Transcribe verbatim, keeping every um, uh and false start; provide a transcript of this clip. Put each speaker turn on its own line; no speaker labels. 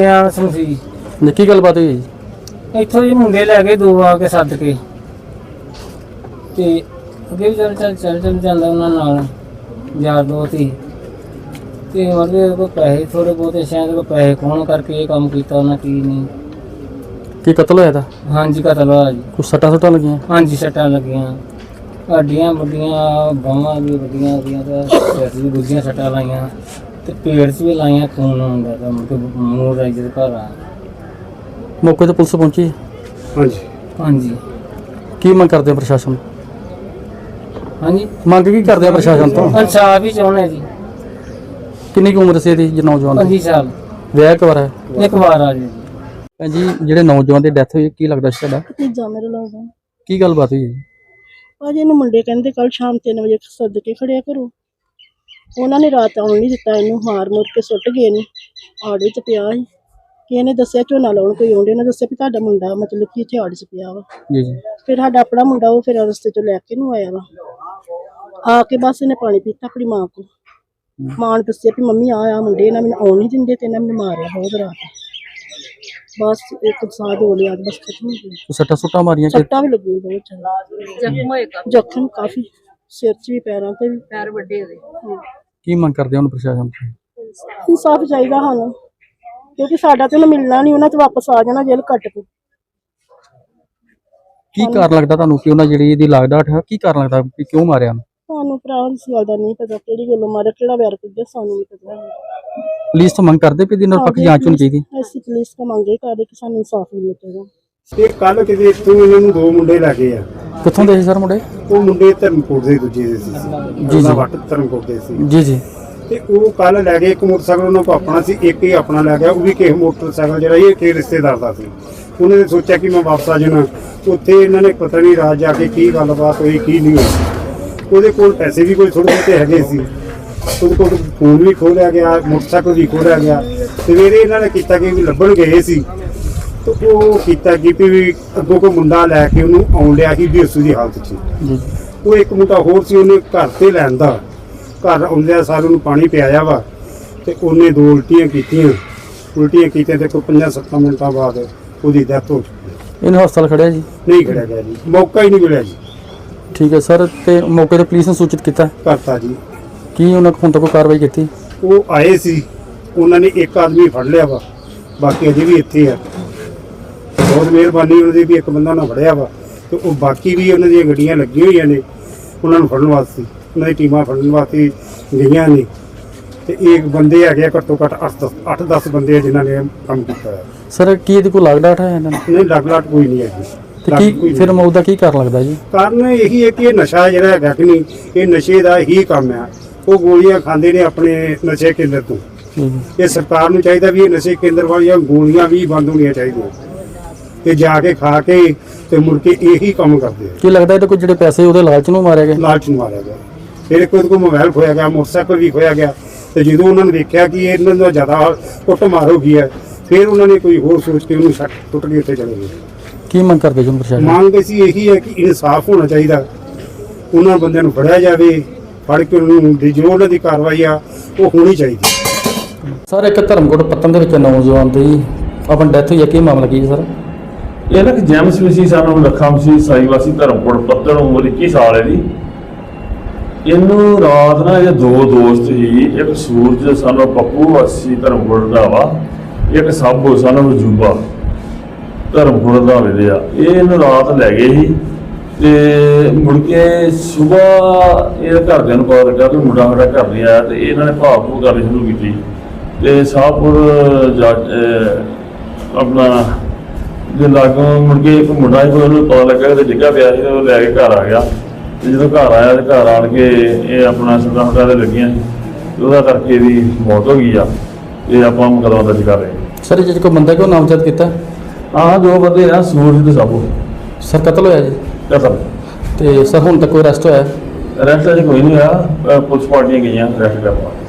ਸੀ
ਨਿੱਕੀ ਗੱਲਬਾਤ ਹੋਈ ਜੀ?
ਇੱਥੋਂ ਜੀ ਮੁੰਡੇ ਲੈ ਕੇ ਦੋ ਆ ਕੇ ਸੱਦ ਕੇ ਤੇ ਅੱਗੇ ਵੀ ਚੱਲ ਚੱਲ ਚੱਲ ਚੱਲ ਜਾਂਦਾ ਉਹਨਾਂ ਨਾਲ ਯਾਰ ਦੋਸਤ ਹੀ ਤੇ ਉਹਦੇ ਕੋਲ ਪੈਸੇ ਥੋੜੇ ਬਹੁਤੇ ਸ਼ਾਇਦ ਕੋ ਪੈਸੇ ਖੋਣ ਕਰਕੇ ਇਹ ਕੰਮ ਕੀਤਾ ਉਹਨਾਂ ਕੀ ਨਹੀਂ।
ਕੀ ਕਤਲ ਹੋਇਆ ਤਾਂ?
ਹਾਂਜੀ ਕਤਲ ਹੋਇਆ ਜੀ।
ਕੁਛ ਸੱਟਾਂ ਸੁੱਟਾਂ ਲੱਗੀਆਂ?
ਹਾਂਜੀ ਸੱਟਾਂ ਲੱਗੀਆਂ, ਹੱਡੀਆਂ ਵੱਡੀਆਂ, ਬਾਹਾਂ ਵੀ ਵੱਡੀਆਂ ਉਹਦੀਆਂ ਤੇ ਸਿਰ 'ਚ ਵੀ ਦੂਜੀਆਂ ਸੱਟਾਂ ਲਾਈਆਂ ਤੇ ਪੇਟ 'ਚ ਵੀ ਲਾਈਆਂ, ਖੂਨ ਆਉਂਦਾ ਤਾਂ ਮੂੰਹ ਰਾਈ ਦੇ ਘਰ ਆ।
ਮੌਕੇ ਤੇ ਪੁਲਿਸ ਪਹੁੰਚੀ?
ਹਾਂਜੀ
ਹਾਂਜੀ।
ਕੀ ਮੰਗ ਕਰਦੇ ਆ ਪ੍ਰਸ਼ਾਸਨ?
ਹਾਂਜੀ
ਮੰਗ ਕੀ ਕਰਦੇ ਆ ਪ੍ਰਸ਼ਾਸਨ ਤੋਂ?
ਇਨਸਾਫ ਹੀ ਚਾਹੁੰਦੇ ਜੀ।
ਕਿੰਨੀ ਕੁ ਉਮਰ ਸੀ ਇਹਦੀ ਜੀ ਨੌਜਵਾਨ ਦੀ?
ਪੰਜੀ ਸਾਲ।
ਵਿਆਹ ਇੱਕ ਵਾਰ ਹੈ?
ਇੱਕ ਵਾਰ ਆ ਜੀ।
ਭੈਣ ਜੀ ਜਿਹੜੇ ਨੌਜਵਾਨ ਦੀ ਡੈਥ ਹੋਈ ਕੀ ਲੱਗਦਾ ਸੀ ਤੁਹਾਡਾ?
ਭਤੀਜਾ ਮੇਰੇ ਲੱਗਦਾ।
ਕੀ ਗੱਲਬਾਤ ਹੋਈ ਜੀ?
ਭਾਜੀ ਇਹਨੂੰ ਮੁੰਡੇ ਕਹਿੰਦੇ ਕੱਲ ਸ਼ਾਮ ਤਿੰਨ ਵਜੇ ਸੱਦ ਕੇ ਖੜਿਆ ਕਰੋ। ਉਹਨਾਂ ਨੇ ਰਾਤ ਆਉਣ ਨਹੀਂ ਦਿੱਤਾ, ਇਹਨੂੰ ਮਾਰ ਮੁਰ ਕੇ ਸੁੱਟ ਗਏ ਨੇ। ਆੜ ਵਿੱਚ ਪਿਆ ਸੀ ਕਿ ਇਹਨੇ ਦੱਸਿਆ ਝੋਨਾ ਲਾਉਣ ਕੋਈ ਆਉਂਦੇ, ਉਹਨੇ ਦੱਸਿਆ ਵੀ ਤੁਹਾਡਾ ਮੁੰਡਾ ਮਤਲਬ ਕਿ ਇੱਥੇ ਆੜ 'ਚ ਪਿਆ ਵਾ।
ਜੀ ਜੀ।
ਫਿਰ ਸਾਡਾ ਆਪਣਾ ਮੁੰਡਾ ਉਹ ਫਿਰ ਰਸਤੇ 'ਚੋਂ ਲੈ ਕੇ ਨੂੰ ਆਇਆ ਵਾ। ਆ ਕੇ ਬਸ ਇਹਨੇ ਪਾਣੀ ਪੀਤਾ ਆਪਣੀ ਮਾਂ ਕੋਲ। ਮਾਂ ਨੇ ਦੱਸਿਆ ਵੀ ਮੰਮੀ ਆ ਆ ਮੁੰਡੇ ਇਹਨਾਂ ਮੈਨੂੰ ਆਉਣ ਨਹੀਂ ਦਿੰਦੇ ਤੇ ਇਹਨਾਂ ਮੈਨੂੰ ਮਾਰਿਆ ਬਹੁਤ ਰਾਤ। ਬਸ ਇੱਕ ਸਾਹ ਹੋ ਲਿਆ ਬਸ ਖਤਮ ਹੋ ਗਿਆ।
ਸੱਟਾਂ ਸੁੱਟਾਂ ਮਾਰੀਆਂ?
ਸੱਟਾਂ ਵੀ ਲੱਗੀਆਂ ਬਹੁਤ ਜ਼ਿਆਦਾ। ਜ਼ਖਮ ਹੋਏਗਾ? ਜ਼ਖਮ ਕਾਫੀ, ਸਿਰ 'ਚ ਵੀ ਪੈਰਾਂ 'ਤੇ ਵੀ, ਪੈਰ ਵੱਡੇ ਹੋਏ।
ਕੀ ਮੰਗ ਕਰਦੇ ਹੁਣ ਪ੍ਰਸ਼ਾਸਨ ਤੋਂ?
ਇਨਸਾਫ ਚਾਹੀਦਾ ਸਾਨੂੰ ਕਿਉਂਕਿ ਸਾਡਾ ਤੇ ਉਹਨੂੰ ਮਿਲਣਾ ਨਹੀਂ, ਉਹਨਾਂ ਤੇ ਵਾਪਸ ਆ ਜਾਣਾ ਜੇਲ੍ਹ ਕੱਟ ਕੇ।
ਕੀ ਕਾਰਨ ਲੱਗਦਾ ਤੁਹਾਨੂੰ ਕਿ ਉਹਨਾਂ ਜਿਹੜੀ ਇਹਦੀ ਲਾਗਡਾਟ ਹੈ, ਕੀ ਕਾਰਨ ਲੱਗਦਾ ਕਿ ਕਿਉਂ ਮਾਰਿਆ?
ਸਾਨੂੰ ਭਰਾ ਇਸ ਗੱਲ ਦਾ ਨਹੀਂ ਪਤਾ ਕਿਹੜੀ ਗੱਲੋਂ ਮਾਰਿਆ, ਕਿਹੜਾ ਵੈਰ ਕੱਢਿਆ, ਸਾਨੂੰ ਨਹੀਂ ਪਤਾ।
ਪੁਲਿਸ ਤੋਂ ਮੰਗ ਕਰਦੇ ਵੀ ਇਹਦੀ ਨਿਰਪੱਖ ਜਾਂਚ ਹੋਣੀ ਚਾਹੀਦੀ?
ਅਸੀਂ ਪੁਲਿਸ ਤੋਂ ਮੰਗੇ ਕਰਦੇ ਕਿ ਸਾਨੂੰ ਇਨਸਾਫ ਮਿਲੇ ਚਾਹੀਦਾ।
ਇਹ ਕੱਲ ਕਿਤੇ ਇੱਥੋਂ ਇਹਨਾਂ ਨੂੰ ਦੋ ਮੁੰਡੇ ਲੈ ਗਏ ਆ।
ਕਿੱਥੋਂ ਦੇ ਸੀ ਸਰ ਮੁੰਡੇ?
ਉਹ ਮੁੰਡੇ ਧਰਮਕੋਟ ਦੇ ਦੂਜੇ ਦੇ ਸੀ
ਜੀ ਜੀ।
ਵੱਟ ਧਰਮਕੋਟ ਦੇ ਸੀ
ਜੀ ਜੀ।
ਤੇ ਉਹ ਕੱਲ ਲੈ ਗਏ। ਇੱਕ ਮੋਟਰਸਾਈਕਲ ਉਹਨਾਂ ਕੋਲ ਆਪਣਾ ਸੀ, ਇੱਕ ਹੀ ਆਪਣਾ ਲੈ ਗਿਆ। ਉਹ ਵੀ ਕਿਸੇ ਮੋਟਰਸਾਈਕਲ ਜਿਹੜਾ ਇਹ ਕਿਸੇ ਰਿਸ਼ਤੇਦਾਰ ਦਾ ਸੀ। ਉਹਨਾਂ ਨੇ ਸੋਚਿਆ ਕਿ ਮੈਂ ਵਾਪਸ ਆ ਜਾਣਾ। ਉੱਥੇ ਇਹਨਾਂ ਨੇ ਪਤਾ ਨਹੀਂ ਰਾਤ ਜਾ ਕੇ ਕੀ ਗੱਲਬਾਤ ਹੋਈ ਕੀ ਨਹੀਂ ਹੋਈ। ਉਹਦੇ ਕੋਲ ਪੈਸੇ ਵੀ ਕੋਈ ਥੋੜ੍ਹੇ ਬਹੁਤੇ ਹੈਗੇ ਸੀ। ਉਹਦੇ ਕੋਲ ਫੋਨ ਵੀ ਖੋਲਿਆ ਗਿਆ, ਮੋਟਰਸਾਈਕਲ ਵੀ ਖੋਲਿਆ ਗਿਆ। ਸਵੇਰੇ ਇਹਨਾਂ ਨੇ ਕੀਤਾ ਕਿ ਵੀ ਲੱਭਣ ਗਏ ਸੀ ਤੇ ਉਹ ਕੀਤਾ ਕਿ ਵੀ ਅੱਗੋਂ ਕੋਈ ਮੁੰਡਾ ਲੈ ਕੇ ਉਹਨੂੰ ਆਉਣ ਲਿਆ ਸੀ ਬੇਸੂ ਦੀ ਹਾਲਤ 'ਚ। ਉਹ ਇੱਕ ਮੁੰਡਾ ਹੋਰ ਸੀ, ਉਹਨੇ ਘਰ ਤੇ ਲੈਂਦਾ। ਘਰ ਆਉਂਦਿਆਂ ਸਾਰ ਉਹਨੂੰ ਪਾਣੀ ਪਿਆਇਆ ਵਾ ਤੇ ਉਹਨੇ ਦੋ ਉਲਟੀਆਂ ਕੀਤੀਆਂ। ਉਲਟੀਆਂ ਕੀਤੀਆਂ ਤੇ ਕੋਈ ਪੰਜਾਂ ਸੱਤਾਂ ਮਿੰਟਾਂ ਬਾਅਦ ਉਹਦੀ ਡੈਥ ਹੋ ਚੁੱਕੀ।
ਇਹਨੂੰ ਹਸਪਤਾਲ ਖੜਿਆ ਜੀ?
ਨਹੀਂ ਖੜਿਆ ਗਿਆ ਜੀ, ਮੌਕਾ ਹੀ ਨਹੀਂ ਮਿਲਿਆ ਜੀ।
ਠੀਕ ਹੈ ਸਰ। ਤੇ ਮੌਕੇ ਤੇ ਪੁਲਿਸ ਨੂੰ ਸੂਚਿਤ ਕੀਤਾ?
ਕਰਤਾ ਜੀ।
ਕੀ ਉਹਨਾਂ ਹੁਣ ਤੱਕ ਕੋਈ ਕਾਰਵਾਈ ਕੀਤੀ?
ਉਹ ਆਏ ਸੀ, ਉਹਨਾਂ ਨੇ ਇੱਕ ਆਦਮੀ ਫੜ ਲਿਆ ਵਾ, ਬਾਕੀ ਅਜੇ ਵੀ ਇੱਥੇ ਆ। ਬਹੁਤ ਮਿਹਰਬਾਨੀ ਉਹਨਾਂ ਦੀ ਵੀ ਇੱਕ ਬੰਦਾ ਉਹਨਾਂ ਫੜਿਆ ਵਾ ਤੇ ਉਹ ਬਾਕੀ ਵੀ ਉਹਨਾਂ ਦੀਆਂ ਗੱਡੀਆਂ ਲੱਗੀਆਂ ਹੋਈਆਂ ਨੇ ਉਹਨਾਂ ਨੂੰ ਫੜਨ ਵਾਸਤੇ। ਉਹਨਾਂ ਦੀ ਟੀਮਾਂ ਫੜਨ ਵਾਸਤੇ ਗਈਆਂ ਨੇ ਤੇ ਇਹ ਬੰਦੇ ਹੈਗੇ ਘੱਟੋ ਘੱਟ ਅੱਠ ਦਸ ਬੰਦੇ ਆ ਜਿਨ੍ਹਾਂ ਨੇ ਕੰਮ ਕੀਤਾ ਹੈ।
ਸਰ ਕੀ ਇਹਦੀ ਕੋਈ ਲਾਗਡਾਟ ਹੈ ਇਹਨਾਂ ਨੂੰ?
ਨਹੀਂ ਲੱਗ ਲਾਟ ਕੋਈ ਨਹੀਂ ਹੈਗੀ।
ਤੇ ਕੀ ਫਿਰ ਮੌਤ ਦਾ ਕੀ ਕਾਰਨ ਲੱਗਦਾ ਜੀ?
ਕਾਰਨ ਇਹੀ ਹੈ ਕਿ ਇਹ ਨਸ਼ਾ ਜਿਹੜਾ ਹੈਗਾ ਕਿ ਨਹੀਂ, ਇਹ ਨਸ਼ੇ ਦਾ ਹੀ ਕੰਮ ਆ। ਉਹ ਗੋਲੀਆਂ ਖਾਂਦੇ ਨੇ ਆਪਣੇ ਨਸ਼ੇ ਕੇਂਦਰ ਤੋਂ। ਇਹ ਸਰਕਾਰ ਨੂੰ ਚਾਹੀਦਾ ਵੀ ਇਹ ਨਸ਼ੇ ਕੇਂਦਰ ਵਾਲੀਆਂ ਗੋਲੀਆਂ ਵੀ ਬੰਦ ਹੋਣੀਆਂ ਚਾਹੀਦੀਆਂ ਤੇ ਜਾ ਕੇ ਖਾ ਕੇ ਤੇ ਮੁੜ ਕੇ ਇਹੀ ਕੰਮ ਕਰਦੇ ਆ।
ਕੀ ਲੱਗਦਾ ਇਹਦੇ ਕੋਈ ਜਿਹੜੇ ਪੈਸੇ ਉਹਦੇ ਲਾਲਚ ਨੂੰ ਮਾਰਿਆ ਗਿਆ?
ਲਾਲਚ ਨੂੰ ਮਾਰਿਆ ਗਿਆ। ਫਿਰ ਕੋਈ ਕੋਈ ਮੋਬਾਈਲ ਖੋਇਆ ਗਿਆ, ਮੋਟਰਸਾਈਕਲ ਵੀ ਖੋਇਆ ਗਿਆ ਤੇ ਜਦੋਂ ਉਹਨਾਂ ਨੇ ਦੇਖਿਆ ਕਿ ਇਹਨਾਂ ਦਾ ਜ਼ਿਆਦਾ ਕੁੱਟ ਮਾਰ ਹੋ ਗਈ ਹੈ ਫਿਰ ਉਹਨਾਂ ਨੇ ਕੋਈ ਹੋਰ ਸੋਚ ਕੇ ਉਹਨੂੰ ਸੱਟ ਟੁੱਟ ਕੇ ਉੱਤੇ ਚਲੇ ਗਏ।
ਕੀ ਮੰਗ ਕਰਦੇ ਜੀ ਪ੍ਰਸ਼ਾਸਨ?
ਮੰਗ ਅਸੀਂ ਇਹੀ ਹੈ ਕਿ ਇਨਸਾਫ ਹੋਣਾ ਚਾਹੀਦਾ। ਉਹਨਾਂ ਬੰਦਿਆਂ ਨੂੰ ਫੜਿਆ ਜਾਵੇ, ਫੜ ਕੇ ਉਹਨੂੰ ਜੋ ਉਹਨਾਂ ਦੀ ਕਾਰਵਾਈ ਆ ਉਹ ਹੋਣੀ ਚਾਹੀਦੀ।
ਸਰ ਇੱਕ ਧਰਮਕੋਟ ਪੱਤਨ ਦੇ ਵਿੱਚ ਨੌਜਵਾਨ ਦੀ ਆਪਣੀ ਡੈਥ ਹੋਈ ਹੈ, ਕੀ ਮਾਮਲਾ ਕੀ ਹੈ ਸਰ?
ਇਹ ਨਾ ਕਿ ਜੈਮਸ ਵਿਸੀ ਸਾਨੂੰ ਲੱਖਾਂ ਸੀ ਸਾਈ ਵਾਸੀ ਧਰਮਕੋਟ ਪੱਤਨ, ਉਮਰ ਇੱਕੀ ਸਾਲ ਹੈ ਜੀ। ਇਹਨੂੰ ਰਾਤ ਨਾ ਇਹ ਦੋ ਦੋਸਤ ਸੀ, ਇੱਕ ਸੂਰਜ ਸਾਨੂੰ ਪੱਪੂ ਵਾਸੀ ਧਰਮਕੋਟ ਦਾ ਵਾ, ਇੱਕ ਸਾਬੋ ਸਾਨੂੰ ਜੂਬਾ ਧਰਮਕੋਟ ਦਾ ਵੇਲੇ ਆ। ਇਹ ਇਹਨੂੰ ਰਾਤ ਲੈ ਗਏ ਸੀ ਤੇ ਮੁੜ ਕੇ ਸਵੇਰ ਇਹ ਘਰਦਿਆਂ ਨੂੰ ਪਤਾ ਲੱਗਾ ਕਿ ਮੁੰਡਾ ਸਾਡਾ ਘਰ ਨਹੀਂ ਆਇਆ ਤੇ ਇਹਨਾਂ ਨੇ ਭਾਵ ਭੂ ਕਰਨੀ ਸ਼ੁਰੂ ਕੀਤੀ ਤੇ ਸਾਹਪੁਰ ਜਾ ਆਪਣਾ ਜੇ ਲਾਗੋਂ ਮੁੜ ਕੇ ਇੱਕ ਮੁੰਡਾ ਸੀ, ਉਹਨੂੰ ਪਤਾ ਲੱਗਾ ਕਿ ਡਿੱਗਾ ਪਿਆ ਸੀ, ਉਹ ਲੈ ਕੇ ਘਰ ਆ ਗਿਆ। ਤੇ ਜਦੋਂ ਘਰ ਆਇਆ ਤੇ ਘਰ ਆਣ ਕੇ ਇਹ ਆਪਣਾ ਸਦਾ ਹੁੰਦਾ ਤੇ ਲੱਗੀਆਂ ਸੀ, ਉਹਦਾ ਕਰਕੇ ਇਹਦੀ ਮੌਤ ਹੋ ਗਈ ਆ। ਇਹ ਆਪਾਂ ਮੁਕੱਦਮਾ ਦਰਜ ਕਰ ਰਹੇ ਹਾਂ।
ਸਰ ਜਿਹੜੇ ਕੋਈ ਬੰਦਾ ਕਿ ਉਹ ਨਾਮਜ਼ਦ ਕੀਤਾ?
ਹਾਂ ਦੋ ਬੰਦੇ ਆ, ਸੂਰਜ ਤੇ ਸਾਬੋ।
ਸਰ ਕਤਲ ਹੋਇਆ ਜੀ?
ਕਤਲ।
ਤੇ ਸਰ ਹੁਣ ਤੱਕ ਕੋਈ ਅਰੈਸਟ ਹੋਇਆ?
ਅਰੈਸਟ ਅਜੇ ਕੋਈ ਨਹੀਂ ਹੋਇਆ, ਪੁਲਿਸ ਪਾਰਟੀਆਂ ਗਈਆਂ ਅਰੈਸਟ ਕਰਨ।